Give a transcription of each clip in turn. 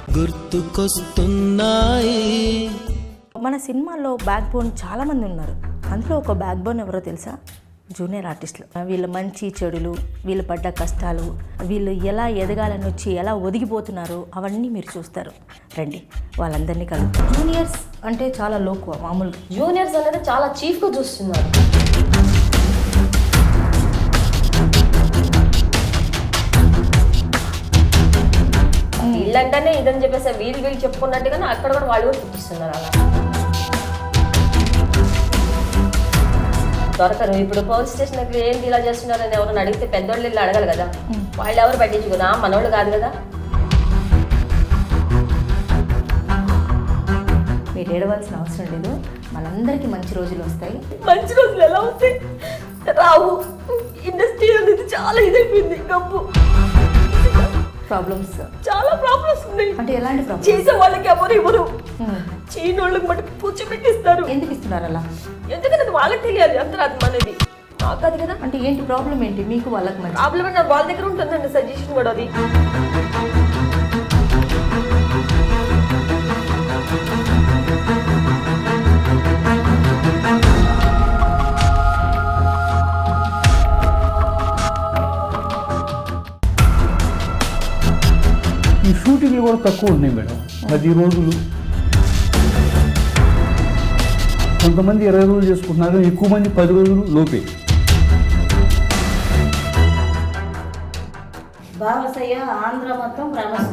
గుర్తుకొస్తున్నాయి. మన సినిమాల్లో బ్యాక్ బోన్ చాలామంది ఉన్నారు. అందులో ఒక బ్యాక్ బోన్ ఎవరో తెలుసా? జూనియర్ ఆర్టిస్టులు. వీళ్ళ మంచి చెడులు, వీళ్ళు పడ్డ కష్టాలు, వీళ్ళు ఎలా ఎదగాలని వచ్చి ఎలా ఒదిగిపోతున్నారో అవన్నీ మీరు చూస్తారు. రండి వాళ్ళందరినీ కలుగుతారు. జూనియర్స్ అంటే చాలా లోకువ మామూలుగా. జూనియర్స్ అనేది చాలా చీఫ్గా చూస్తున్నారు. వీళ్ళంటేనే ఇదని చెప్పేసి వీళ్ళు చెప్పుకున్నట్టుగానే అక్కడ కూడా వాళ్ళు కూడా చూపిస్తున్నారు. అలా దొరకరు. ఇప్పుడు పోలీస్ స్టేషన్ దగ్గర ఏంటి ఇలా చేస్తున్నారని ఎవరైనా అడిగితే పెద్దోళ్ళు వెళ్ళి అడగాలి కదా. వాళ్ళు ఎవరు పట్టించుకున్నా మనోళ్ళు కాదు కదా. మీరు ఏడవలసిన అవసరం లేదు. మనందరికీ మంచి రోజులు వస్తాయి. మంచి రోజులు ఎలా వస్తాయి? రావు. ఇండస్ట్రీ అనేది చాలా ఇదైపోయింది. గప్పు ప్రాబ్లమ్స్, చాలా ప్రాబ్లమ్స్ ఉన్నాయి. అంటే ఎలాంటి ప్రాబ్లమ్స్? చేసే వాళ్ళకి ఎవరు ఇవ్వరు. చీనోళ్ళకి మటుకు కూర్చోబెట్టిస్తారు. ఎందుకు ఇస్తున్నారు అలా? ఎందుకంటే వాళ్ళకి తెలియాలి అంతరాత్మ అనేది. మాకు అది కదా. అంటే ఏంటి ప్రాబ్లం ఏంటి మీకు వాళ్ళకి? మరి ప్రాబ్లం అంటే వాళ్ళ దగ్గర ఉంటుందండి సజెషన్ కూడా. అది ఈ షూటింగ్లు కూడా తక్కువ ఉన్నాయి మేడం. 10 రోజులు, కొంతమంది 20 రోజులు చేసుకుంటున్నారు, ఎక్కువ మంది 10 రోజులు లోపే. బాలసయ్య ఆంధ్ర మొత్తం ఫేమస్.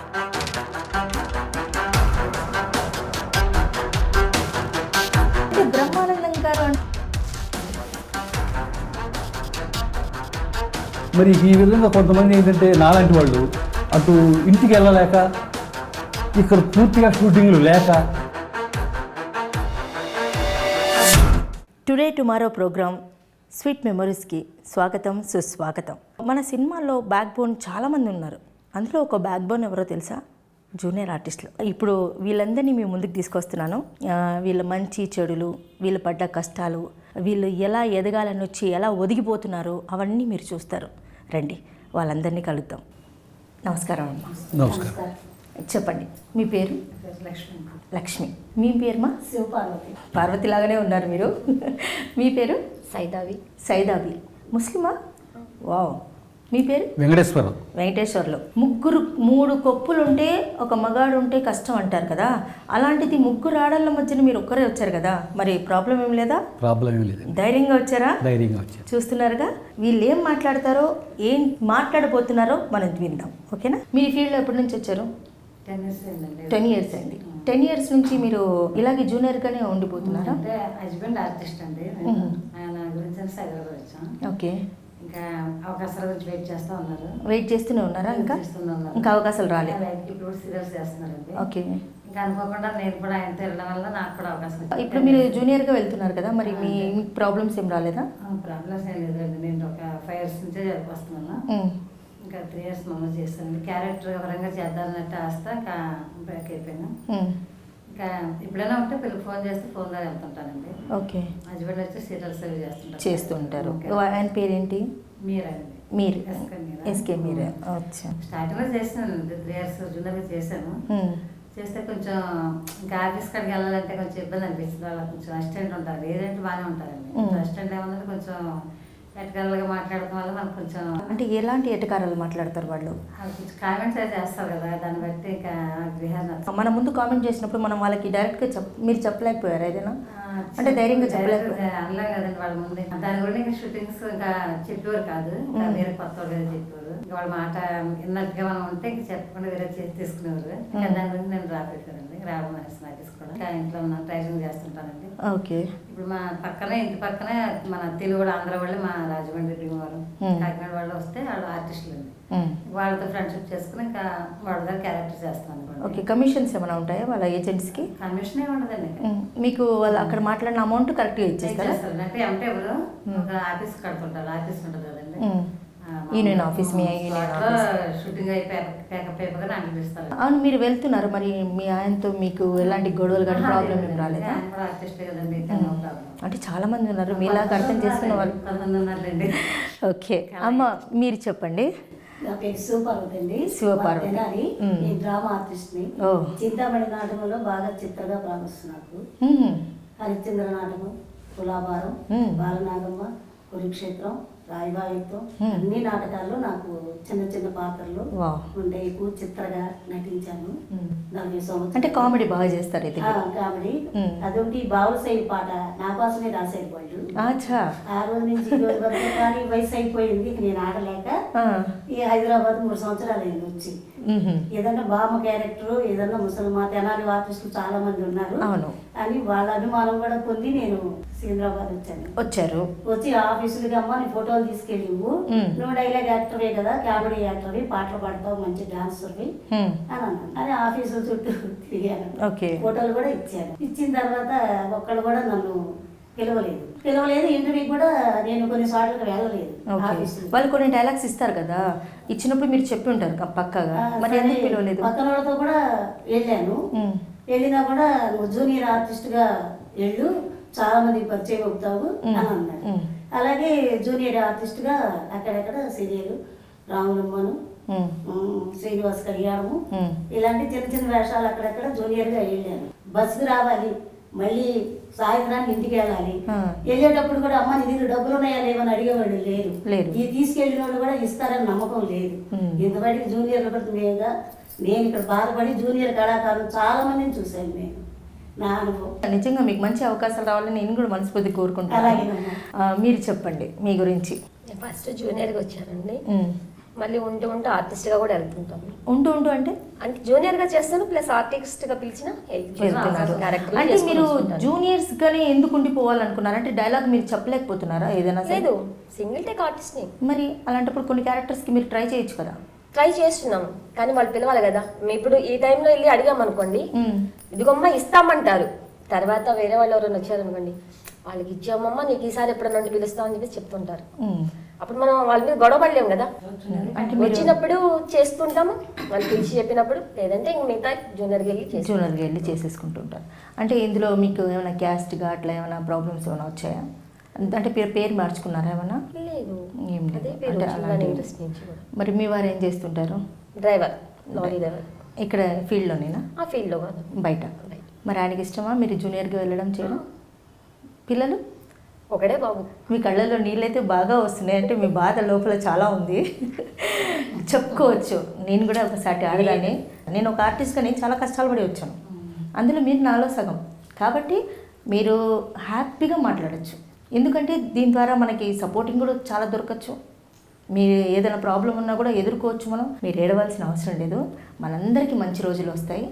అంటే బ్రహ్మానందం గారు మరి ఈ విధంగా కొంతమంది ఏంటంటే నాలాంటి వాళ్ళు అటు ఇంటికి వెళ్ళలేక, ఇక్కడ పూర్తిగా షూటింగ్లు లేక. టుడే టుమారో ప్రోగ్రామ్ స్వీట్ మెమరీస్కి స్వాగతం, సుస్వాగతం. మన సినిమాల్లో బ్యాక్ బోన్ చాలామంది ఉన్నారు. అందులో ఒక బ్యాక్ బోన్ ఎవరో తెలుసా? జూనియర్ ఆర్టిస్టులు. ఇప్పుడు వీళ్ళందరినీ మీ ముందుకు తీసుకొస్తున్నాను. వీళ్ళ మంచి చెడులు, వీళ్ళు పడ్డ కష్టాలు, వీళ్ళు ఎలా ఎదగాలని వచ్చి ఎలా ఒదిగిపోతున్నారో అవన్నీ మీరు చూస్తారు. రండి వాళ్ళందరినీ కలుద్దాం. నమస్కారం అమ్మ. నమస్కారం. చెప్పండి మీ పేరు? లక్ష్మి. లక్ష్మి. మీ పేరుమా? శివపార్వతి. పార్వతి లాగానే ఉన్నారు మీరు. మీ పేరు? సైదావి. సైదాబి. ముస్లిమా? వావ్. మీ పేరు? వెంకటేశ్వరం. వెంకటేశ్వర్లు. 3 కొప్పులు ఉంటే ఒక మగాడు ఉంటే కష్టం అంటారు కదా. అలాంటిది 3 ఆడళ్ళ మధ్యన మీరు ఒక్కరే వచ్చారు కదా. మరి ప్రాబ్లం ఏం లేదా? ప్రాబ్లం ఏం లేదు. ధైర్యంగా వచ్చారా? ధైర్యంగా వచ్చారు. చూస్తున్నారుగా వీళ్ళు ఏం మాట్లాడతారో, ఏం మాట్లాడబోతున్నారో మనం విందాం. ఓకేనా? మీరు ఈ ఫీల్డ్లో ఎప్పటి నుంచి వచ్చారు? 10 years అయిందండి. 10 years అయింది. 10 years నుంచి మీరు ఇలాగే జూనియర్గానే ఉండిపోతున్నారా? అంటే హస్బెండ్ ఆర్టిస్ట్ అండి. ఆయన గురించి హైదరాబాద్ వచ్చాం. ఓకే. ఇంకా అవకాశాల గురించి వెయిట్ చేస్తూ ఉన్నారు. వెయిట్ చేస్తూనే ఉన్నారా? ఇంకా చేస్తున్నారు. ఇంకా అవకాశాలు రాలేదు. ఇప్పుడు సీరియల్స్ చేస్తున్నారండి. ఓకే. ఇంకా అనుకోకుండా నేను కూడా ఆయనతో వెళ్ళడం వల్ల నాకు కూడా అవకాశం వచ్చింది. ఇప్పుడు మీరు జూనియర్గా వెళ్తున్నారు కదా, మరి మీకు ప్రాబ్లమ్స్ ఏం రాలేదా? ప్రాబ్లమ్స్ ఏం లేదండి. నేను ఒక 5 years నుంచే వస్తున్నాను. ఇంకా 3 years మమ్మల్ని చేస్తానండి. క్యారెక్టర్ పరంగా చేద్దామన్నట్టు ఆస్త ఇంకా బ్రేక్ అయిపోయాను. ఇంకా ఎప్పుడైనా ఉంటే పిల్లలు ఫోన్ చేస్తే ఫోన్ ద్వారా వెళ్తుంటానండి. ఓకే. హస్బెండ్ వచ్చి సీరియల్స్ అవి చేస్తూ ఉంటారు. ఆయన పేరేంటి? మీరండి. మీరు? ఎస్కే మీరే. అచ్చా. స్టార్టింగ్లో చేసాను 3 years జూనియర్గా చేశాను. చేస్తే కొంచెం ఇంకా ఆఫీస్ కాడికి వెళ్ళాలంటే కొంచెం ఇబ్బంది అనిపిస్తుంది. వాళ్ళకి కొంచెం అసిస్టెంట్ ఉంటారు. ఏదంటే బాగానే ఉంటారండి. అసిస్టెంట్ ఏమన్నది కొంచెం ఎటకారంగా మాట్లాడటం వల్ల మనకు కొంచెం. అంటే ఎలాంటి ఎటకారాలు మాట్లాడతారు వాళ్ళు? కొంచెం కామెంట్స్ అయితే చేస్తారు కదా, దాన్ని బట్టి ఇంకా విహారం. మన ముందు కామెంట్ చేసినప్పుడు మనం వాళ్ళకి డైరెక్ట్గా మీరు చెప్పలేకపోయారు ఏదైనా? అంటే ధైర్యంగా చెప్పలేకపోయారు. అనలే కదండి వాళ్ళ ముందే. దాని గురించి ఇంకా షూటింగ్స్ ఇంకా చెప్పేవారు కాదు. ఇంకా వేరే కొత్త వాళ్ళు కదా చెప్పేవారు. ఇంకా వాళ్ళ మాట విన్నట్టుగా మనం ఉంటే ఇంకా చెప్పకుండా వేరే చేసి తీసుకునేవారు. ఇంకా దాని గురించి నేను రాబెట్టానండి. రావడం అనేసి నాకు తీసుకోవడం. ఇంకా ఇంట్లో ట్రైనింగ్ చేస్తుంటానండి. ఓకే. ఇప్పుడు మా పక్కనే ఇంటి పక్కనే మన తెలుగు ఆంధ్ర వాళ్ళు, మా రాజమండ్రి భీమవరం కాకినాడ వాళ్ళు వస్తే వాళ్ళు ఆర్టిస్టులు అండి. వాళ్ళతో ఫ్రెండ్షిప్ చేసుకుని ఇంకా వాళ్ళ దగ్గర క్యారెక్టర్ చేస్తాను అనుకోండి. ఓకే. కమిషన్స్ ఏమైనా ఉంటాయా వాళ్ళ ఏజెంట్స్కి? కమిషన్ ఏమి ఉండదండి. మీకు వాళ్ళు అక్కడ మాట్లాడిన అమౌంట్ కరెక్ట్గా ఇచ్చేస్తారా? అంటే అంటే ఎవరు ఒక ఆఫీస్ కడుతుంటారు. ఆఫీస్ ఉంటుంది కదండి, యూనియన్ ఆఫీస్. మీ యూనియన్ ఆఫీస్ షూటింగ్ అయిపోయి అనిపిస్తారు. అవును. మీరు వెళ్తున్నారు మరి మీ ఆయనతో మీకు ఎలాంటి గొడవలు కానీ ప్రాబ్లం ఏం రాలేదా? ఆర్టిస్ట్ కదండి. అంటే చాలా మంది ఉన్నారు మీలాగా అర్థం చేసుకున్న వాళ్ళు. కొంతమంది ఉన్నారులేండి. ఓకే అమ్మ మీరు చెప్పండి. నా పేరు శివపార్వతి అండి. శివపార్వతి. తెనాలి. నేను డ్రామా ఆర్టిస్ట్ని. ఓ. చింతామణి నాటకంలో బాగా చిత్రగా ప్రారంభిస్తుంది నాకు. మ్మ్. హరిశ్చంద్ర నాటకం, తులాభారం, బాలనాగమ్మ, కురుక్షేత్రం, రాయబాయుత్వం అన్ని నాటకాల్లో నాకు చిన్న చిన్న పాత్రలు వావ్. ఉండే. ఎక్కువ చిత్రగా నటించాను 40 సంవత్సరాలు. అంటే కామెడీ బాగా చేస్తారు ఇది. కామెడీ. అదొకటి బావుల శైలి పాట నా కోసమే రాసేది వాళ్ళు. అచ్చా. ఆ రోజు నుంచి ఈ రోజు వరకు కానీ వయసు అయిపోయింది. ఇక నేను ఆడలేక ఈ హైదరాబాద్ 3 సంవత్సరాలు అయింది వచ్చి. ఏదన్నా బామ్మ క్యారెక్టర్, ఏదన్నా ముసలిమా, తెనాలి ఆర్టిస్టులు చాలా మంది ఉన్నారు అని వాళ్ళ అభిమానం కూడా పొంది నేను సికింద్రాబాద్ వచ్చారు. వచ్చి ఆఫీసులకి అమ్మ నీ ఫోటోలు తీసుకెళ్ళివు, నువ్వు డైలాగ్ యాక్టర్వే కదా, కామెడీ యాక్టర్వి, పాటలు పాడతావు, మంచి డాన్సర్వి అని అన్నాను. అని ఆఫీసుల చుట్టూ తిరిగాను. ఫోటోలు కూడా ఇచ్చాను. ఇచ్చిన తర్వాత ఒక్కళ్ళు కూడా నన్ను పిలవలేదు. ఇంటర్వ్యూ కూడా నేను కొన్ని సార్లు వెళ్ళలేదు. వాళ్ళు కొన్ని డైలాగ్స్ ఇస్తారు కదా, ఇచ్చినప్పుడు మీరు చెప్పి ఉంటారు పక్కగా, మరి ఎందుకు పిలవలేదు? పక్కన వాళ్ళతో కూడా వెళ్ళాను. వెళ్ళినా కూడా నువ్వు జూనియర్ ఆర్టిస్ట్ గా వెళ్ళు, చాలా మంది పరిచయం అవుతావు అని అన్నాడు. అలాగే జూనియర్ ఆర్టిస్ట్ గా అక్కడక్కడ సీరియల్ రాములమ్మను, శ్రీనివాస్ కళ్యాణము, ఇలాంటి చిన్న చిన్న వేషాలు అక్కడక్కడ జూనియర్ గా వెళ్ళాను. బస్సుకు రావాలి, మళ్ళీ సాయంత్రానికి ఇంటికి వెళ్ళాలి. వెళ్ళేటప్పుడు కూడా అమ్మ నీ దగ్గర డబ్బులు ఉన్నాయా లేవని అడిగేవాళ్ళు లేరు. ఈ తీసుకెళ్ళిన వాళ్ళు కూడా ఇస్తారని నమ్మకం లేదు. ఇంతవరకు జూనియర్లు కూడా నేను ఇక్కడ బాధపడి జూనియర్ కళాకారులు చాలా మందిని చూశాను నేను. నా అనుభవం. నిజంగా మీకు మంచి అవకాశాలు రావాలని నేను కూడా మనస్ఫూర్తి కోరుకుంటాను. మీరు చెప్పండి మీ గురించి. ఫస్ట్ జూనియర్గా వచ్చానండి, మళ్ళీ ఉంటూ ఆర్టిస్ట్గా కూడా వెళ్తుంటాను. ఉంటూ అంటే జూనియర్గా చేస్తాను, ప్లస్ ఆర్టిస్ట్గా పిలిచిన వెళ్తున్నారు. అంటే మీరు జూనియర్స్ గానే ఎందుకు ఉండిపోవాలనుకున్నారు? అంటే డైలాగ్ మీరు చెప్పలేకపోతున్నారా ఏదైనా? లేదు, సింగిల్ టేక్ ఆర్టిస్ట్ని. మరి అలాంటప్పుడు కొన్ని క్యారెక్టర్స్కి మీరు ట్రై చేయొచ్చు కదా. ట్రై చేస్తున్నాం, కానీ వాళ్ళు పిలవాలి కదా. మేము ఇప్పుడు ఈ టైంలో వెళ్ళి అడిగామనుకోండి, ఇదిగోమ్మ ఇస్తామంటారు. తర్వాత వేరే వాళ్ళు ఎవరైనా వచ్చారనుకోండి, వాళ్ళకి ఇచ్చామమ్మ నీకు ఈసారి ఎప్పుడన్నా పిలుస్తామని చెప్పి చెప్తుంటారు. అప్పుడు మనం వాళ్ళ మీద గొడవ పడలేము కదా. వచ్చినప్పుడు చేస్తుంటాము, వాళ్ళు పిలిచి చెప్పినప్పుడు, లేదంటే ఇంక మిగతా జూనియర్కి వెళ్ళి చేసేసుకుంటుంటారు. అంటే ఇందులో మీకు ఏమైనా క్యాస్ట్గా అట్లా ఏమైనా ప్రాబ్లమ్స్ ఏమైనా వచ్చాయా? అంటే పేరు మార్చుకున్నారా ఏమన్నా? లేదు, ఏం లేదు. మరి మీ వారు ఏం చేస్తుంటారు? Driver, lorry driver. ఇక్కడ ఫీల్డ్లోనేనా? ఆ ఫీల్డ్లో కాదు, బయట. మరి ఆయనకి ఇష్టమా మీరు జూనియర్గా వెళ్ళడం చేయడం? పిల్లలు ఒకడే బాబు. మీ కళ్ళల్లో నీళ్ళైతే బాగా వస్తున్నాయి, అంటే మీ బాధ లోపల చాలా ఉంది చెప్పుకోవచ్చు. నేను కూడా ఒకసారి ఆడదాన్ని. నేను ఒక ఆర్టిస్ట్గా నేను చాలా కష్టాలు పడి వచ్చాను, అందులో మీరు నాలో సగం. కాబట్టి మీరు హ్యాపీగా మాట్లాడచ్చు, ఎందుకంటే దీని ద్వారా మనకి సపోర్టింగ్ కూడా చాలా దొరకచ్చు. మీరు ఏదైనా ప్రాబ్లం ఉన్నా కూడా ఎదుర్కోవచ్చు మనం. మీరు ఏడవలసిన అవసరం లేదు, మనందరికీ మంచి రోజులు వస్తాయి.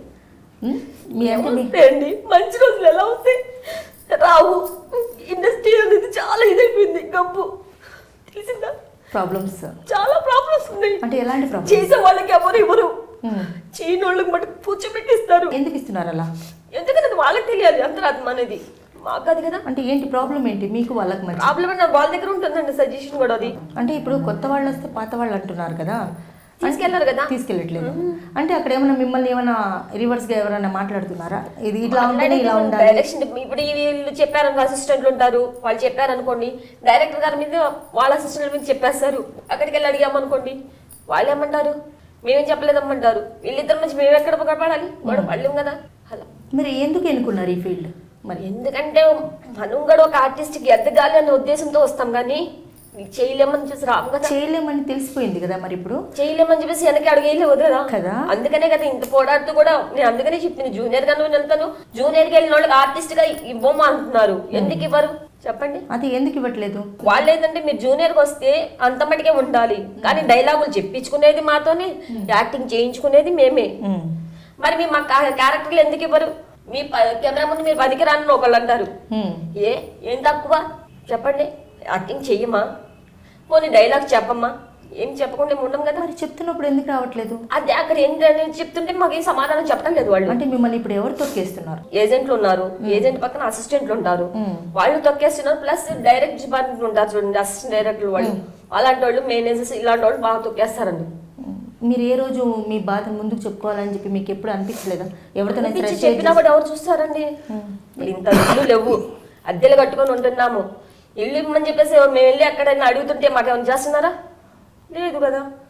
మీ అండి మంచి రోజులు ఎలా వస్తాయి? రావు. ఇండస్ట్రీ అనేది చాలా ఇదైపోయింది, గబ్బు. తెలిసిందా? ప్రాబ్లమ్స్, చాలా ప్రాబ్లమ్స్ ఉన్నాయి. అంటే ఎలాంటి ప్రాబ్లమ్స్? చేసే వాళ్ళకి ఎవరు చేయని వాళ్ళకి మటుకు పూర్చోబెట్టిస్తారు. ఎందుకు ఇస్తున్నారు అలా? ఎందుకంటే వాళ్ళకి తెలియాలి అంతరాత్మ అనేది, మాకు అది కదా. అంటే ఏంటి ప్రాబ్లం ఏంటి మీకు వాళ్ళకి? మరి ప్రాబ్లం అంటే వాళ్ళ దగ్గర ఉంటుందండి సజెషన్ కూడా. అది అంటే ఇప్పుడు కొత్త వాళ్ళు వస్తే పాత వాళ్ళు అంటున్నారు కదా, తీసుకెళ్లారు కదా. తీసుకెళ్ళట్లేదు అంటే అక్కడ ఏమైనా మిమ్మల్ని ఏమైనా రివర్స్గా ఎవరైనా మాట్లాడుతున్నారా? ఇది ఇట్లా ఉంటే ఇలా ఉండాలి. డైరెక్షన్ ఇప్పుడు వీళ్ళు చెప్పారనుకో, అసిస్టెంట్లు ఉంటారు, వాళ్ళు చెప్పారనుకోండి, డైరెక్టర్ గారి మీద వాళ్ళ అసిస్టెంట్ మీద చెప్పేస్తారు. అక్కడికి వెళ్ళి అడిగామనుకోండి, వాళ్ళు ఏమంటారు, మేమేం చెప్పలేదమ్మంటారు. వీళ్ళిద్దరి నుంచి మేము ఎక్కడ పడాలి, వాడు పడలేం కదా. అలా మరి ఎందుకు ఎన్నుకున్నారు ఈ ఫీల్డ్? మరి ఎందుకంటే మనం కూడా ఒక ఆర్టిస్ట్కి ఎదగాలి అనే ఉద్దేశంతో వస్తాం, కానీ చేయలేమని చూసి రాము కదా. చేయలేమని తెలిసిపోయింది కదా, మరి ఇప్పుడు చేయలేమని చెప్పేసి వెనక్కి అడుగేయలేవు కదా. అందుకనే కదా ఇంత పోరాడుతూ కూడా నేను అందుకనే చెప్పింది, జూనియర్ గా నువ్వు వెళ్తాను, జూనియర్ కి వెళ్ళిన వాళ్ళకి ఆర్టిస్ట్ గా ఇవ్వము అంటున్నారు. ఎందుకు ఇవ్వరు చెప్పండి? అది ఎందుకు ఇవ్వట్లేదు? వాళ్ళు ఏంటంటే మీరు జూనియర్ గా వస్తే అంత మటుకే ఉండాలి, కానీ డైలాగులు చెప్పించుకునేది మాతోనే, యాక్టింగ్ చేయించుకునేది మేమే. మరి మీ మా క్యారెక్టర్లు ఎందుకు ఇవ్వరు? మీ కెమెరా ముందు మీరు పనికి రాని ఒకళ్ళు అంటారు. ఏం తక్కువ చెప్పండి? యాక్టింగ్ చెయ్యమా, పోనీ డైలాగ్ చెప్పమ్మా, ఏం చెప్పకుండా ఉండం కదా. మరి చెప్తున్నప్పుడు ఎందుకు రావట్లేదు? అదే అక్కడ ఏంటని చెప్తుంటే మాకు ఏం సమాధానం చెప్పడం లేదు వాళ్ళు. అంటే మిమ్మల్ని ఇప్పుడు ఎవరు తొక్కేస్తున్నారు? ఏజెంట్లు ఉన్నారు, ఏజెంట్ పక్కన అసిస్టెంట్లు ఉంటారు, వాళ్ళు తొక్కేస్తున్నారు. ప్లస్ డైరెక్ట్ డిపార్ట్మెంట్ ఉంటారు చూడండి, అసిస్టెంట్ డైరెక్టర్ వాళ్ళు, అలాంటి వాళ్ళు, మేనేజర్స్, ఇలాంటి వాళ్ళు బాగా తొక్కేస్తారండి. మీరు ఏ రోజు మీ బాధను ముందుకు చెప్పుకోవాలని చెప్పి మీకు ఎప్పుడు అనిపించలేదా? ఎవరితో చెప్పినా కూడా ఎవరు చూస్తారండి? ఇంత ఇల్లు లేవు, అద్దెలు కట్టుకొని ఉంటున్నాము, ఇల్లు ఇవ్వమని చెప్పేసి మేము వెళ్ళి అక్కడ అడుగుతుంటే మాకేమైనా చేస్తున్నారా? లేదు కదా.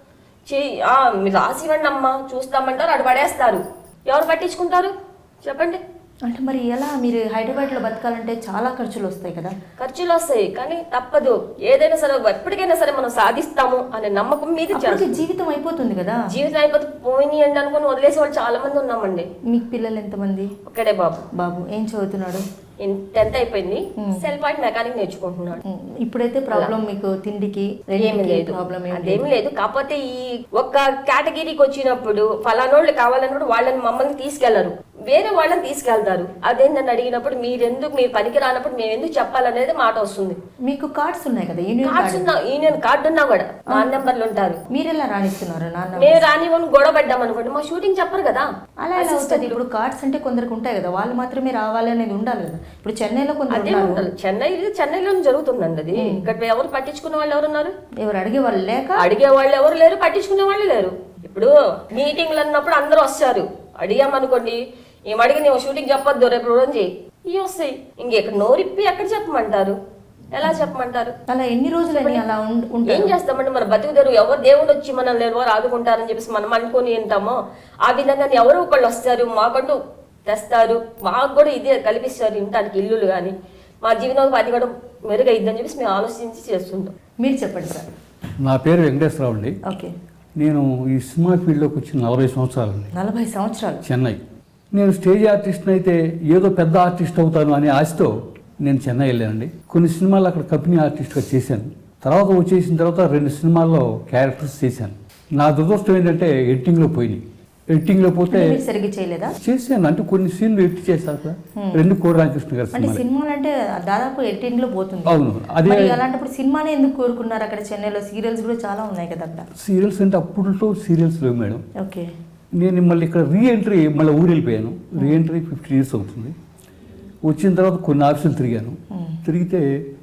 మీరు రాసి ఇవ్వండి అమ్మా చూస్తామంటారు, అటు పడేస్తారు. ఎవరు పట్టించుకుంటారు చెప్పండి? అంటే మరి ఎలా మీరు హైదరాబాద్లో బతకాలంటే చాలా ఖర్చులు వస్తాయి కదా? ఖర్చులు వస్తాయి కానీ తప్పదు. ఏదైనా సరే ఎప్పటికైనా సరే మనం సాధిస్తాము అనే నమ్మకం మీద అప్పటికి జీవితం అయిపోతుంది కదా. జీవితం అయిపోతే పోయినాయండి అనుకుని వదిలేసే వాళ్ళు చాలా మంది ఉన్నామండి. మీకు పిల్లలు ఎంతమంది? ఒక్కడే బాబు. బాబు ఏం చదువుతున్నాడు? 10th అయిపోయింది. సెల్ పాయింట్ మెకానిక్ నేర్చుకుంటున్నాడు. ఇప్పుడైతే ప్రాబ్లం మీకు తిండికి ఏమి లేదు, అదేమి లేదు. కాకపోతే ఈ ఒక్క కేటగిరీకి వచ్చినప్పుడు ఫలానోళ్ళు కావాలన్నప్పుడు వాళ్ళని మమ్మల్ని తీసుకెళ్లరు, వేరే వాళ్ళని తీసుకెళ్తారు. అదేంటని అడిగినప్పుడు మీరు పనికి రానప్పుడు మేము ఎందుకు చెప్పాలనేది మాట వస్తుంది. మీకు కార్డ్స్ ఉన్నాయి కదా? యూనియన్ కార్డు ఉన్నా కూడా నాన్ నెంబర్లు ఉంటారు. మీరు ఎలా రాణిస్తున్నారు? మేము రానివ్వని గొడవ పడ్డాం అనుకోండి, మా షూటింగ్ చెప్పరు కదా. అలా ఎలా అవుతుంది? ఇప్పుడు కార్డ్స్ అంటే కొందరికి ఉంటాయి కదా, వాళ్ళు మాత్రమే రావాలి అనేది ఉండాలి కదా. ఇప్పుడు చెన్నైలో అదే ఉండాలి. చెన్నైలో జరుగుతుందండి అది. ఇక్కడ ఎవరు పట్టించుకునే వాళ్ళు ఎవరున్నారు? ఎవరు అడిగే వాళ్ళు లేక, అడిగే వాళ్ళు ఎవరు లేరు, పట్టించుకునే వాళ్ళు లేరు. ఇప్పుడు మీటింగ్లు అన్నప్పుడు అందరూ వస్తారు. అడిగామనుకోండి, ఏమడిగి నువ్వు షూటింగ్ చెప్పొద్దు రేపు రోజు ఇవి వస్తాయి. ఇంకెక్కడ నోరిప్పి ఎక్కడ చెప్పమంటారు? ఎలా చెప్పమంటారు? అలా ఎన్ని రోజులని అలా ఏం చేస్తామంటే మన బతుకుదేరు ఎవరు దేవుడు వచ్చి మనల్ని ఎవరు ఆదుకుంటారని చెప్పేసి మనం అనుకుని ఉంటామో ఆ విధంగా ఎవరో ఒకళ్ళు వస్తారు, మాకంటూ తెస్తారు, మాకు కూడా ఇదే కల్పిస్తారు ఇంటానికి ఇల్లులు కానీ, మా జీవితంలో అది కూడా మెరుగైద్దని చెప్పేసి మేము ఆలోచించి చేస్తుంటాం. మీరు చెప్పండి సార్. నా పేరు వెంకటేశ్వరరావు అండి. ఓకే. నేను ఈ సినిమా ఫీల్డ్లోకి వచ్చి 40 సంవత్సరాలండి. 40 సంవత్సరాలు? చెన్నై. నేను స్టేజ్ ఆర్టిస్ట్ని అయితే ఏదో పెద్ద ఆర్టిస్ట్ అవుతాను అనే ఆశతో నేను చెన్నై వెళ్ళానండి. కొన్ని సినిమాలు అక్కడ కంపెనీ ఆర్టిస్ట్గా చేశాను. తర్వాత వచ్చేసిన తర్వాత 2 సినిమాల్లో క్యారెక్టర్స్ చేశాను. నా దురదృష్టం ఏంటంటే ఎడిటింగ్లో పోయినాయి. ఎడిటింగ్లో పోతే సరిగ్గా చేయలేదా? చేశాను, అంటే కొన్ని సీన్లు ఎడిట్ చేశాక 2 కోడి రామకృష్ణ గారు అంటే సినిమాలు అంటే దాదాపు ఎడిటింగ్ లో పోతుంది. అవును. అదే అలాంటప్పుడు సినిమానే ఎందుకు కోరుకున్నారు? అక్కడ చెన్నైలో సీరియల్స్ కూడా చాలా ఉన్నాయి కదా అక్కడ. సీరియల్స్ అంటే అప్పుడులో సీరియల్స్ లేవు మేడం. ఓకే. నేను మళ్ళీ ఇక్కడ రీఎంట్రీ మళ్ళీ ఊరు వెళ్ళిపోయాను. రీఎంట్రీ 15 years అవుతుంది. వచ్చిన తర్వాత కొన్ని ఆఫీసులు తిరిగాను. తిరిగితే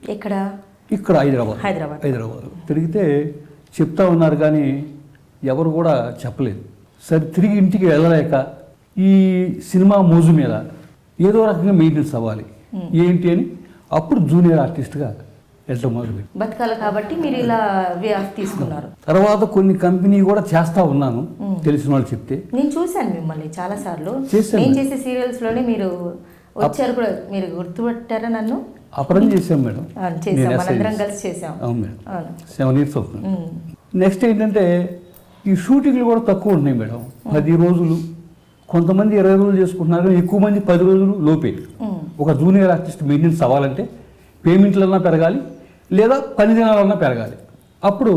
ఇక్కడ హైదరాబాద్ తిరిగితే చెప్తా ఉన్నారు కానీ ఎవరు కూడా చెప్పలేదు. సరే తిరిగి ఇంటికి వెళ్ళలేక ఈ సినిమా మోజు మీద ఏదో రకంగా మెయింటెనెన్స్ అవ్వాలి ఏంటి అని అప్పుడు జూనియర్ ఆర్టిస్ట్గా వెళ్ళటం మొదలుపెట్టి బతకాలి కాబట్టి మీరు ఇలా తీసుకున్నారు. తర్వాత కొన్ని కంపెనీ కూడా చేస్తా ఉన్నాను, తెలిసిన వాళ్ళు చెప్తే. నేను చూశాను మిమ్మల్ని చాలా సార్లు. చేశాను. నేను చేసే సీరియల్స్ లోనే మీరు వచ్చారు కూడా. మీరు గుర్తుపట్టారా నన్ను? అపరం చేసాం మేడం. మనందరం కలిసి చేసాం. అవును మేడం. 7 years అవుతుంది. నెక్స్ట్ ఏంటంటే ఈ షూటింగ్లు కూడా తక్కువ ఉంటున్నాయి మేడం. 10 రోజులు, కొంతమంది 20 రోజులు చేసుకుంటున్నారు, ఎక్కువ మంది 10 రోజులు లోపే. ఒక జూనియర్ ఆర్టిస్ట్ మెయింటెనెన్స్ అవ్వాలంటే పేమెంట్లన్నా పెరగాలి, లేదా 10 దినాలన్నా పెరగాలి. అప్పుడు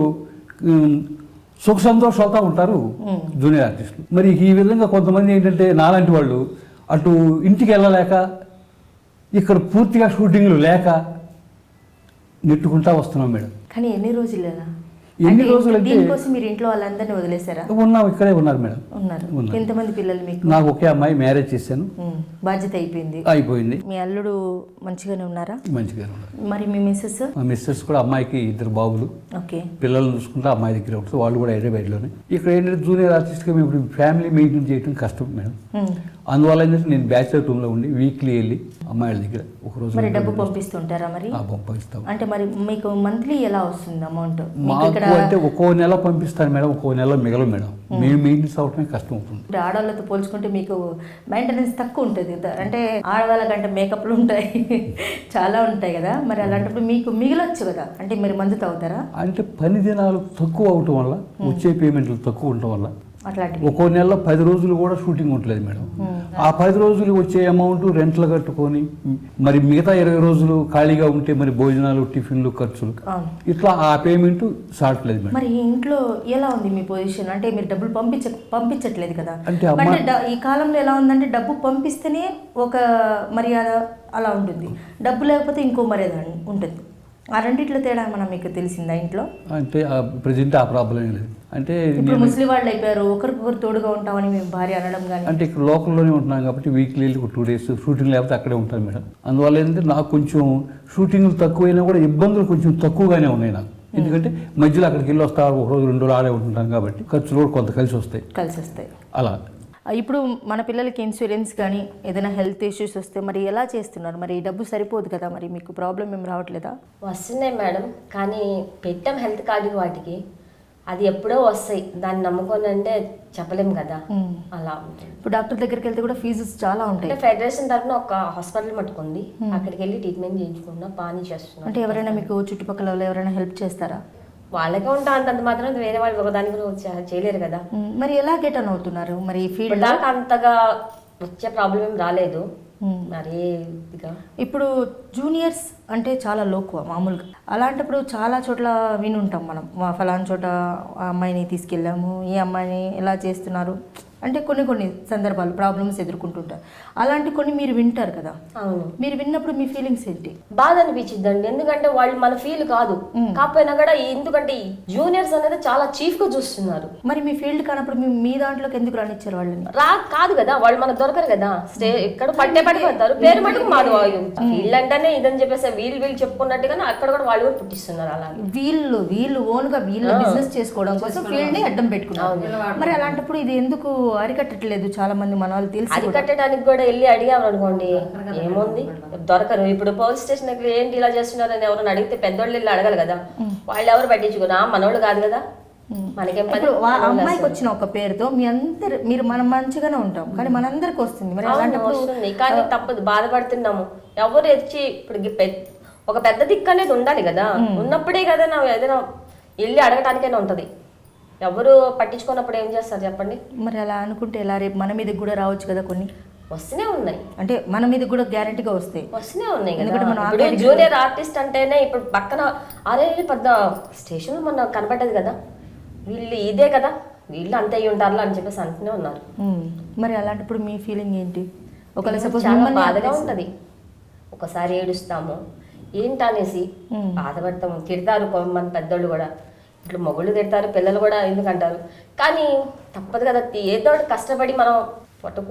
సుఖ సంతోషాలతో ఉంటారు జూనియర్ ఆర్టిస్టులు. మరి ఈ విధంగా కొంతమంది ఏంటంటే నాలాంటి వాళ్ళు అటు ఇంటికి వెళ్ళలేక ఇక్కడ పూర్తిగా షూటింగ్లు లేక నెట్టుకుంటా వస్తున్నాం మేడం. కానీ ఎన్ని రోజులు అంటే దీనికోసం మీరు ఇంట్లో వాళ్ళందరినీ వదిలేశారా? ఉన్నాం, ఇక్కడే ఉన్నారు మేడం. ఉన్నారు. ఎంతమంది పిల్లలు మీకు? నాకు ఒకే అమ్మాయి, మ్యారేజ్ చేశాను. బాధ్యత అయిపోయింది. మీ అల్లుడు మంచిగానే ఉన్నారా? మంచిగానే ఉన్నారు. మరి మీ మిస్సెస్? మా మిస్సెస్ కూడా, అమ్మాయికి 2 బాబులు. ఓకే. పిల్లల్ని చూసుకుంటే అమ్మాయి దగ్గర ఉంటుంది. వాళ్ళు కూడా హైదరాబాద్లోనే. ఇక్కడ ఏంటంటే జూనియర్ ఆర్టిస్ట్గా మేము ఇప్పుడు ఫ్యామిలీ మెయింటైన్ చేయడం కష్టం మేడం. అందువల్ల ఏంటంటే నేను బ్యాచిలర్ రూమ్లో ఉండి వీక్లీ వెళ్ళి అమ్మాయిల దగ్గర ఒకరోజు. మరి డబ్బు పంపిస్తుంటారా? మరి పంపిస్తాం. అంటే మరి మీకు మంత్లీ ఎలా వస్తుంది అమౌంట్? మాకు అంటే ఒక్కో నెల పంపిస్తాను మేడం, ఒక్కో నెల మిగలదు మేడం. మేము మెయింటెనెన్స్ అవటమే కష్టం అవుతుంది. ఆడవాళ్ళతో పోల్చుకుంటే మీకు మెయింటెనెన్స్ తక్కువ ఉంటుంది. అంటే ఆడవాళ్ళకంటే మేకప్లు ఉంటాయి, చాలా ఉంటాయి కదా. మరి అలాంటప్పుడు మీకు మిగలొచ్చు కదా. అంటే మీరు మందు తాగుతారా? అంటే 10 దినాలు తక్కువ అవటం వల్ల, వచ్చే పేమెంట్లు తక్కువ ఉండటం వల్ల అట్లాంటి ఒక్కో నెలలో 10 రోజులు కూడా షూటింగ్ ఉండలేదు మేడం. ఆ 10 రోజులు వచ్చే అమౌంట్ రెంట్లు కట్టుకొని, మరి మిగతా 20 రోజులు ఖాళీగా ఉంటే మరి భోజనాలు, టిఫిన్లు, ఖర్చులు, ఇట్లా ఆ పేమెంట్ సాట్లేదు మేడం. మరి ఇంట్లో ఎలా ఉంది మీ పొజిషన్? అంటే మీరు డబ్బులు పంపించట్లేదు కదా. అంటే ఈ కాలంలో ఎలా ఉందంటే డబ్బు పంపిస్తేనే ఒక మర్యాద అలా ఉంటుంది, డబ్బు లేకపోతే ఇంకో మర్యాద ఉంటుంది. ఆ రెండిట్లో తేడా మనం మీకు తెలిసిందా ఇంట్లో? అంటే ప్రజెంట్ ఆ ప్రాబ్లం ఏం లేదు. అంటే ఇప్పుడు ముస్లిం వాళ్ళు అయిపోయారు, ఒకరికొకరు తోడుగా ఉంటామని మేము భార్య అనడం కానీ. అంటే ఇక్కడ లోకల్లోనే ఉంటున్నాం కాబట్టి వీక్లీ 2 days షూటింగ్ లేకపోతే అక్కడే ఉంటాను మేడం. అందువల్ల ఏంటంటే నాకు కొంచెం షూటింగ్లు తక్కువైనా కూడా ఇబ్బందులు కొంచెం తక్కువగానే ఉన్నాయి నాకు. ఎందుకంటే మధ్యలో అక్కడికి వెళ్ళి వస్తా, 1 రోజు 2 రోజులు ఆడే ఉంటుంటాం కాబట్టి ఖర్చులు కూడా కొంత కలిసి వస్తాయి అలా. ఇప్పుడు మన పిల్లలకి ఇన్సూరెన్స్ కానీ ఏదైనా హెల్త్ ఇష్యూస్ వస్తే మరి ఎలా చేస్తున్నారు? మరి డబ్బు సరిపోదు కదా, మరి మీకు ప్రాబ్లం ఏం రావట్లేదా? వస్తున్నాయి మేడం, కానీ పెట్టాం హెల్త్ కార్డు వాటికి. అది ఎప్పుడో వస్తాయి, దాన్ని నమ్ముకొని అంటే చెప్పలేము కదా. అలా ఉంటుంది. ఇప్పుడు డాక్టర్ దగ్గరికి వెళ్తే కూడా ఫీజెస్ చాలా ఉంటాయి. అంటే ఫెడరేషన్ తరఫున ఒక హాస్పిటల్ పట్టుకోండి, అక్కడికి వెళ్ళి ట్రీట్మెంట్ చేయించుకున్నా బాగానే చేస్తున్నాం. అంటే ఎవరైనా మీకు చుట్టుపక్కల వాళ్ళు ఎవరైనా హెల్ప్ చేస్తారా? వాళ్ళకే ఉంటా అంతంత మాత్రం వేరే వాళ్ళు ఒకదాని కూడా చేయలేరు కదా. మరి ఎలా గెట్ ఆన్ అవుతున్నారు మరి ఈ ఫీల్డ్? దాకా అంతగా వచ్చే ప్రాబ్లం ఏం రాలేదు మరి ఇదిగా. ఇప్పుడు జూనియర్స్ అంటే చాలా లోకువ మామూలుగా. అలాంటప్పుడు చాలా చోట్ల వినుంటాం మనం, ఫలానా చోట ఆ అమ్మాయిని తీసుకెళ్ళాము, ఈ అమ్మాయిని ఎలా చేస్తున్నారు అంటే కొన్ని సందర్భాలు ప్రాబ్లమ్స్ ఎదుర్కొంటుంటారు. అలాంటి కొన్ని మీరు వింటారు కదా. అవును. మీరు విన్నప్పుడు మీ ఫీలింగ్స్ ఏంటి? బాధ అనిపించిద్దండి, ఎందుకంటే వాళ్ళు మన ఫీల్ కాదు కాకపోయినా కూడా, ఎందుకంటే జూనియర్స్ అనేది చాలా చీఫ్ గా చూస్తున్నారు. మరి మీ ఫీల్డ్ కానప్పుడు మీ దాంట్లోకి ఎందుకు రానిచ్చారు వాళ్ళని? కాదు కదా, వాళ్ళు మనకు దొరకరు కదా. ఇక్కడ పడిపోతారు, పేరు మటుకు మాది. ఫీల్డ్ అంటేనే ఇదని చెప్పేసి వీళ్ళు చెప్పుకున్నట్టుగానే అక్కడ కూడా వాళ్ళు కూడా పుట్టిస్తున్నారు. అలాగే వీళ్ళు ఓన్ గా వీళ్ళు బిజినెస్ చేసుకోవడం కోసం ఫీల్డ్ ని అడ్డం పెట్టుకున్నారు. మరి అలాంటప్పుడు ఇది ఎందుకు అరికట్టట్లేదు? చాలా మంది మన వాళ్ళు తెలిసి అరికట్టడానికి కూడా వెళ్ళి అడిగాము అనుకోండి, ఏముంది దొరకరు. ఇప్పుడు పోలీస్ స్టేషన్ దగ్గర ఏంటి ఇలా చేస్తున్నారని ఎవరైనా అడిగితే పెద్దోళ్ళు వెళ్ళి అడగాలి కదా. వాళ్ళు ఎవరు పట్టించుకున్నా మనోళ్ళు కాదు కదా. మనకేం పని. అమ్మాయికి వచ్చిన ఒక పేరుతో మీరు మనం మంచిగానే ఉంటాం, కానీ మనందరికి వస్తుంది. మరి అలాంటప్పుడు వస్తుంది, కానీ తప్పదు, బాధపడుతున్నాము. ఎవరు వచ్చి ఇప్పుడు ఒక పెద్ద దిక్కు అనేది ఉండాలి కదా. ఉన్నప్పుడే కదా నా ఏదైనా వెళ్ళి అడగటానికైనా ఉంటది. ఎవరు పట్టించుకున్నప్పుడు ఏం చేస్తారు చెప్పండి? మరి అలా అనుకుంటే ఎలా? రేపు మన మీదకి కూడా రావచ్చు కదా. కొన్ని వస్తూనే ఉన్నాయి, అంటే మన మీద కూడా గ్యారెంటీగా వస్తూనే ఉన్నాయి. ఇప్పుడు జూనియర్ ఆర్టిస్ట్ అంటేనే ఇప్పుడు పక్కన అరే పెద్ద స్టేషన్ మొన్న కనబడ్డది కదా, వీళ్ళు ఇదే కదా, వీళ్ళు అంతే అయ్యి ఉంటారు అని చెప్పేసి అంటూనే ఉన్నారు. మరి అలాంటప్పుడు మీ ఫీలింగ్ ఏంటి? ఒకవేళ సపోజ్ చాలా బాధగా ఉంటది, ఒకసారి ఏడుస్తాము, ఏంటనేసి బాధపడతాము. తిడతారు కొంతమంది పెద్దోళ్ళు కూడా, ఇట్లా మొగుళ్ళు తిడతారు, పిల్లలు కూడా ఎందుకంటారు. కానీ తప్పదు కదా, ఏదో కష్టపడి మనం పొట్టకు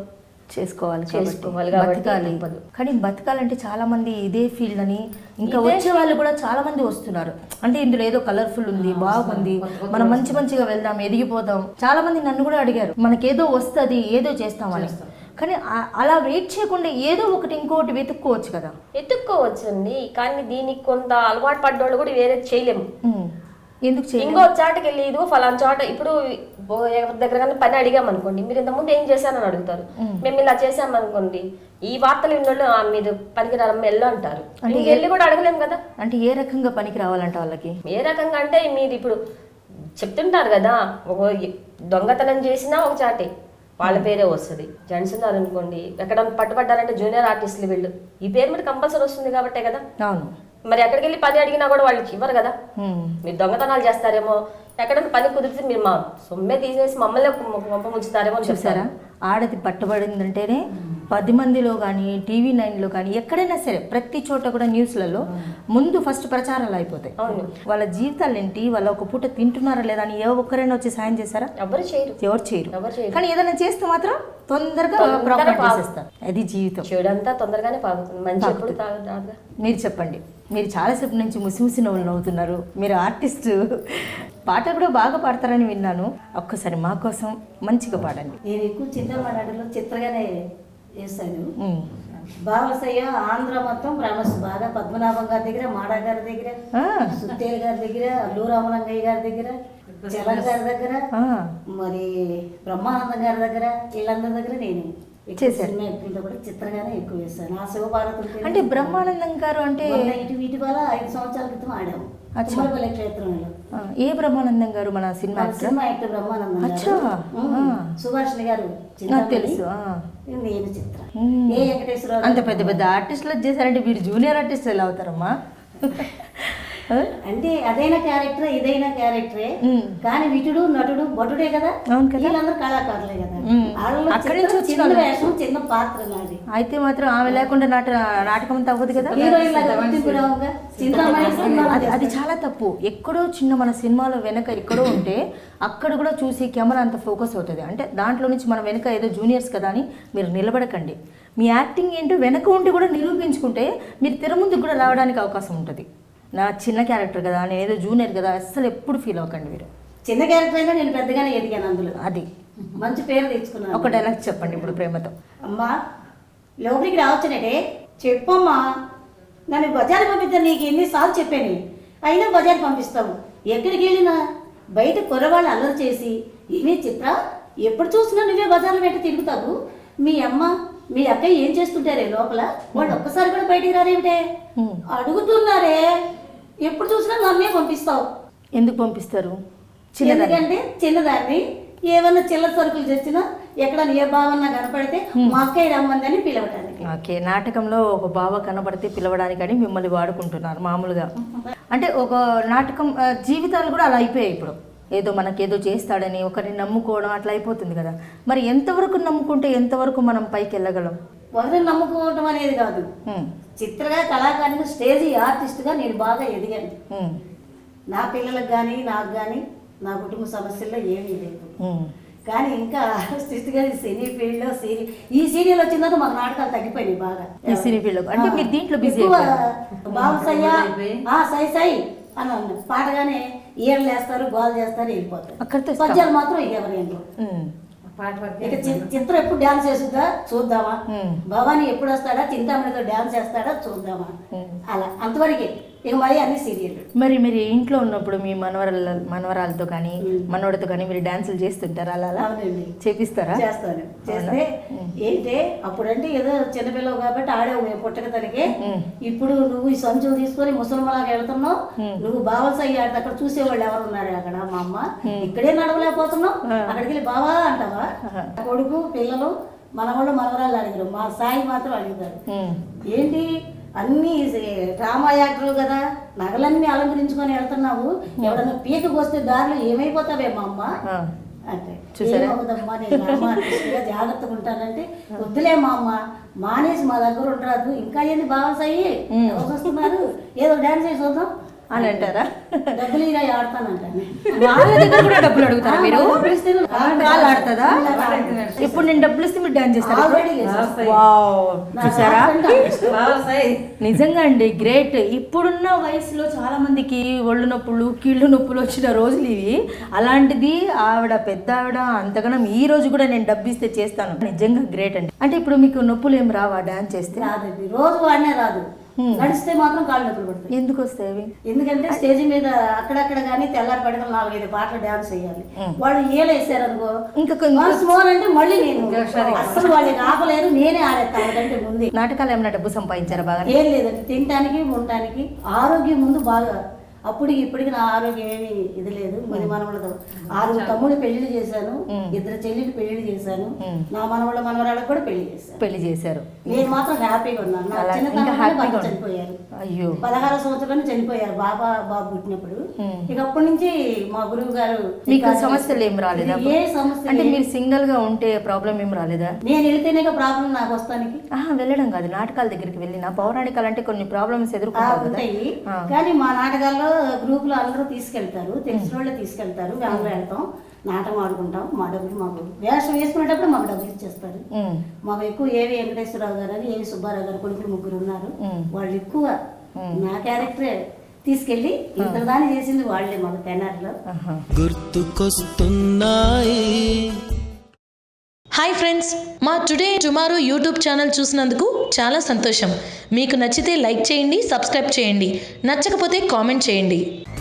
చేసుకోవాలి బతకాలి. కానీ బతకాలంటే చాలా మంది ఇదే ఫీల్డ్ అని ఇంకా వచ్చే వాళ్ళు కూడా చాలా మంది వస్తున్నారు. అంటే ఇందులో ఏదో కలర్ఫుల్ ఉంది, బాగుంది, మనం మంచిగా వెళ్దాం, ఎదిగిపోదాం. చాలా మంది నన్ను కూడా అడిగారు, మనకేదో వస్తుంది, ఏదో చేస్తామని. కానీ అలా వెయిట్ చేయకుండా ఏదో ఒకటి ఇంకోటి వెతుక్కోవచ్చు కదా. వెతుక్కోవచ్చండి, కానీ దీనికి కొంత అలవాటు పడ్డోళ్ళు కూడా వేరే చేయలేము. ఎందుకు ఇంకో చాటకి వెళ్ళి ఇదిగో ఫలానా చోట, ఇప్పుడు ఎవరి దగ్గర కానీ పని అడిగాం అనుకోండి, మీరు ఇంతకుముందు ఏం చేశానని అడుగుతారు. మేము ఇలా చేసామనుకోండి, ఈ వార్తలు విన్నోళ్ళు మీరు పనికి రామ్మ వెళ్ళు అంటారు. వెళ్ళి కూడా అడగలేము కదా. అంటే ఏ రకంగా పనికి రావాలంటే వాళ్ళకి ఏ రకంగా అంటే మీరు ఇప్పుడు చెప్తుంటారు కదా, ఒక దొంగతనం చేసినా ఒక చాటే వాళ్ళ పేరే వస్తుంది. జెంట్స్ ఉన్నారు అనుకోండి, ఎక్కడ పట్టుబడ్డారంటే జూనియర్ ఆర్టిస్టులు వీళ్ళు, ఈ పేరు మీద కంపల్సరీ వస్తుంది కాబట్టే కదా. అవును. మరి ఎక్కడికి వెళ్ళి పని అడిగినా కూడా వాళ్ళకి ఇవ్వరు కదా. మీరు దొంగతనాలు చేస్తారేమో, ఎక్కడైనా పని కుదిరితే మీరు మా సొమ్మే తీసేసి మమ్మల్ని పంప ముంచుతారేమో. చూసారా, ఆడది పట్టబడిందంటేనే 10 మందిలో కానీ టీవీ 9లో కానీ ఎక్కడైనా సరే ప్రతి చోట కూడా న్యూస్లలో ముందు ఫస్ట్ ప్రచారాలు అయిపోతాయి. వాళ్ళ జీవితాలు ఏంటి, వాళ్ళ ఒక పూట తింటున్నారా లేదా అని ఏ ఒక్కరైనా వచ్చి సాయం చేశారా? ఎవరు చేయరు. కానీ ఏదైనా చేస్తే మాత్రం తొందరగా ప్రాబ్లం చేసేస్తారు. అది జీవితం. చెడంతా తొందరగానే పాగుతుంది, మంచి ఎప్పుడు తాగదు. మీరు చెప్పండి, మీరు చాలాసేపు నుంచి ముసి నవ్వులు నవ్వుతున్నారు. మీరు ఆర్టిస్ట్, పాటలు కూడా బాగా పాడతారని విన్నాను. ఒక్కసారి మా కోసం మంచిగా పాడండి. నేను ఎక్కువ చిత్రపటాలలో చిత్రగానే చేస్తాను. బావసయ్య ఆంధ్ర మొత్తం ఫేమస్ బాగా. పద్మనాభం గారి దగ్గర, మాడా గారి దగ్గర, సుత్తేల్ గారి దగ్గర, అల్లు రామలింగయ్య గారి దగ్గర, చలం గారి దగ్గర, మరి బ్రహ్మానందం గారి దగ్గర, వీళ్ళందరి దగ్గర నేను చేశాను. కూడా చిత్రగానే ఎక్కువ చేస్తాను. ఆ శివభారతి అంటే బ్రహ్మానందం గారు అంటే వీటి వల్ల 5 సంవత్సరాల క్రితం ఆడాము తుమ్మలపల్లి క్షేత్రంలో. ఏ బ్రహ్మానందం గారు? మన సినిమా యాక్టర్ బ్రహ్మానందం సుభాషిణి గారు తెలుసు. నేను చిత్ర ఏ వెంకటేశ్వర. అంత పెద్ద పెద్ద ఆర్టిస్టులు చేశారంటే మీరు జూనియర్ ఆర్టిస్ట్ ఎలా అవుతారమ్మా? అంటే అదైనా క్యారెక్టర్, ఇదైనా క్యారెక్టరే, కానీ విటుడు నటుడు భటుడే కదా. వీళ్ళందరూ కళాకారులే కదా. చిన్న వేషం, చిన్న పాత్ర నాది. అయితే మాత్రం ఆమె లేకుండా నాటకం అంతా అవ్వదు కదా. అది చాలా తప్పు. ఎక్కడో చిన్న మన సినిమాలో వెనక ఎక్కడో ఉంటే అక్కడ కూడా చూసి కెమెరా అంత ఫోకస్ అవుతుంది. అంటే దాంట్లో నుంచి మనం వెనక ఏదో జూనియర్స్ కదా అని మీరు నిలబడకండి. మీ యాక్టింగ్ ఏంటో వెనక ఉండి కూడా నిరూపించుకుంటే మీరు తెర ముందుకు కూడా రావడానికి అవకాశం ఉంటుంది. నా చిన్న క్యారెక్టర్ కదా, నేను ఏదో జూనియర్ కదా, అస్సలు ఎప్పుడు ఫీల్ అవ్వకండి. మీరు చిన్న క్యారెక్టర్ అయినా నేను పెద్దగానే ఎదిగాను, అందులో అది మంచి పేరు తెచ్చుకున్నాను. ఒక డైలాగ్ చెప్పండి ఇప్పుడు ప్రేమతో. అమ్మా లోపలికి రావచ్చునంటే చెప్పమ్మా, నన్ను బజారు పంపిద్దాను, నీకు ఎన్నిసార్లు చెప్పాను, అయినా బజారు పంపిస్తావు. ఎక్కడికి వెళ్ళినా బయట కుర్రవాళ్ళు అల్లరి చేసి ఏమే చిత్ర ఎప్పుడు చూసినా నువ్వే బజార్లో పెట్టి తిరుగుతావు, మీ అమ్మ మీ అక్కయ్య ఏం చేస్తుంటారే లోపల, వాళ్ళు ఒక్కసారి కూడా బయటికి రారేమిటే అడుగుతున్నారే, ఎప్పుడు చూసినా నన్నే పంపిస్తావు. ఎందుకు పంపిస్తారు? ఎందుకంటే చిన్నదాన్ని ఏమన్నా చిల్లర సరుకులు తెచ్చినా ఎక్కడ ఏ బావన్నా కనపడితే మా అక్కయ్య రమ్మందని పిలవటానికి. ఓకే, నాటకంలో ఒక బావ కనబడితే పిలవడానికని మిమ్మల్ని వాడుకుంటున్నారు మామూలుగా. అంటే ఒక నాటకం జీవితాలు కూడా అలా అయిపోయాయి ఇప్పుడు. ఏదో మనకేదో చేస్తాడని ఒకరిని నమ్ముకోవడం అట్లా అయిపోతుంది కదా. మరి ఎంతవరకు నమ్ముకుంటే ఎంతవరకు మనం పైకి వెళ్ళగలం? ఒకరిని నమ్ముకోవటం అనేది కాదు, చిత్రగా కళాకారునిగా స్టేజ్ ఆర్టిస్ట్గా నేను బాగా ఎదిగాను. నా పిల్లలకు కానీ నాకు కానీ నా కుటుంబ సమస్యల్లో ఏమీ లేదు. కానీ ఇంకా ఆర్టిస్ట్గా సినీ ఫీల్డ్లో ఈ సీరియల్ వచ్చిన తర్వాత మాకు నాటకాలు తగ్గిపోయినాయి బాగా. ఈ సినీ ఫీల్డ్ అంటే మీరు దీంట్లో బిజీ బాబు సయ్యా సై సై అని అన్నారు. పాటగానే ఈయర్లు వేస్తారు, గోల్ చేస్తారు, వెళ్ళిపోతారు. అక్కడితో పద్యాలు మాత్రం ఎవరు ఏంటో. ఇక చిత్రం ఎప్పుడు డాన్స్ చేస్తుందా చూద్దామా, భవానీ ఎప్పుడు వస్తాడా చింతామణితో డాన్స్ చేస్తాడా చూద్దామా, అలా అంతవరకే. ఇక మరి అన్ని సీరియల్. మరి మీరు ఇంట్లో ఉన్నప్పుడు మీ మనవరాలతో కానీ మనవడితో కానీ మీరు డాన్సులు చేస్తుంటారా? అలా అవునండి, చేపిస్తారా? చేస్తాను. చేస్తే ఏంటే అప్పుడంటే ఏదో చిన్నపిల్లవు కాబట్టి ఆడేవు మేము పుట్టక తనకి. ఇప్పుడు నువ్వు ఈ సంచులు తీసుకొని ముసలిమలాగా వెళ్తున్నావు, నువ్వు బావల్స్ అయ్యాడు అక్కడ చూసేవాళ్ళు ఎవరు ఉన్నారు అక్కడ, మా అమ్మ ఇక్కడే నడవలేకపోతున్నావు, అక్కడికి వెళ్ళి బావా అంటావా. కొడుకు పిల్లలు మనవాళ్ళు మనవరాళ్ళు అడిగారు, మా సాయి మాత్రం అడుగుతారు ఏంటి అన్ని డ్రామా యాక్టర్లు కదా, నగలన్నీ అలంకరించుకొని వెళ్తున్నావు, ఎవడన్నా పీకకు వస్తే దారిలో ఏమైపోతావే మా అమ్మ అంటే. ఏమవుదమ్మా నేను డ్రామా ఆర్టిస్ట్గా జాగ్రత్తగా ఉంటానంటే, వద్దులే మా అమ్మ మానేసి మా దగ్గర ఉండరాదు, ఇంకా ఏంది బావల్స్ అయ్యి ఎవరు వస్తున్నారు, ఏదో డాన్స్ చేసి వద్దాం అని అంటారా? డబ్బులు ఇలా ఆడతానంటాను. వాళ్ళ దగ్గర కూడా డబ్బులు అడుగుతారా మీరు? ఆడుతుందా? ఇప్పుడు నేను డబ్బులు ఇస్తే మీరు డాన్స్ చేస్తారా? చూసారా? నిజంగా అండి గ్రేట్. ఇప్పుడున్న వయసులో చాలా మందికి ఒళ్ళు నొప్పులు కీళ్ళు నొప్పులు వచ్చిన రోజులు ఇవి. అలాంటిది ఆవిడ పెద్ద ఆవిడ అంతగానం ఈ రోజు కూడా నేను డబ్బు ఇస్తే చేస్తాను. నిజంగా గ్రేట్ అండి. అంటే ఇప్పుడు మీకు నొప్పులు ఏం రావా డాన్స్ చేస్తే? రాదండి, రోజు వాడినే రాదు, నడిస్తే మాత్రం కాళ్ళు నొప్పులు పడతాయి. ఎందుకు వస్తాయి? ఎందుకంటే స్టేజ్ మీద అక్కడక్కడ కానీ తెల్లారి పడగలు 4-5 పాటలు డాన్స్ చేయాలి. వాళ్ళు ఏలేసారు అనుకో ఇంకా మోర్ అంటే మళ్ళీ నేను అసలు వాళ్ళకి ఆపలేరు, నేనే ఆడేస్తాను వాళ్ళకంటే ముందే. నాటకాలు ఏమైనా డబ్బు సంపాదించారా బాగా? ఏం లేదండి, తినడానికి ఉండటానికి. ఆరోగ్యం ముందు బాగా, అప్పటికి ఇప్పటికి నా ఆరోగ్యం ఏమి ఇది లేదు. మరి మనవలతో 6 తమ్ముడు పెళ్లి చేశాను, 2 చెల్లెలు పెళ్లి చేశాను, నా మనవళ్ళ మనవరాళ్ళకి కూడా పెళ్లి చేశారు. నేను మాత్రం హ్యాపీగా ఉన్నాను. నా చిన్నతనంలో చనిపోయారు. అయ్యో, 16 సంవత్సరాలు చనిపోయారు బాబు పుట్టినప్పుడు. ఇక అప్పటి నుంచి మా గురువు గారు మీకు సమస్యలు ఏం రాలేదా? ఏ సమస్య అంటే మీరు సింగిల్ గా ఉంటే ప్రాబ్లం ఏం రాలేదా? నేను వెళ్తేనే ప్రాబ్లం నాకు వస్తానికి. వెళ్ళడం కాదు, నాటకాల దగ్గరికి వెళ్ళిన పౌరాణికాలు అంటే కొన్ని ప్రాబ్లమ్స్ ఎదుర్కొంటాయి. కానీ మా నాటకాల్లో గ్రూప్ లో అందరూ తీసుకెళ్తారు, తెలిసిన వాళ్ళే తీసుకెళ్తారు. మేము వెళ్తాం, నాటకం ఆడుకుంటాం. మా డబ్బులు మాకు వేషం వేసుకునేటప్పుడు మాకు డబ్బులు ఇచ్చేస్తారు. మాకు ఎక్కువ ఏవి వెంకటేశ్వరరావు గారు అని ఏవి సుబ్బారావు గారు కొడుకులు 3 ఉన్నారు. వాళ్ళు ఎక్కువ నా క్యారెక్టరే తీసుకెళ్ళి ఇంతదాన్ని చేసింది వాళ్ళే మాకు తెనాలిలో. గుర్తుకొస్తున్నాయి. హాయ్ ఫ్రెండ్స్, మా టుడే టుమారో యూట్యూబ్ ఛానల్ చూసినందుకు చాలా సంతోషం. మీకు నచ్చితే లైక్ చేయండి, సబ్స్క్రైబ్ చేయండి, నచ్చకపోతే కామెంట్ చేయండి.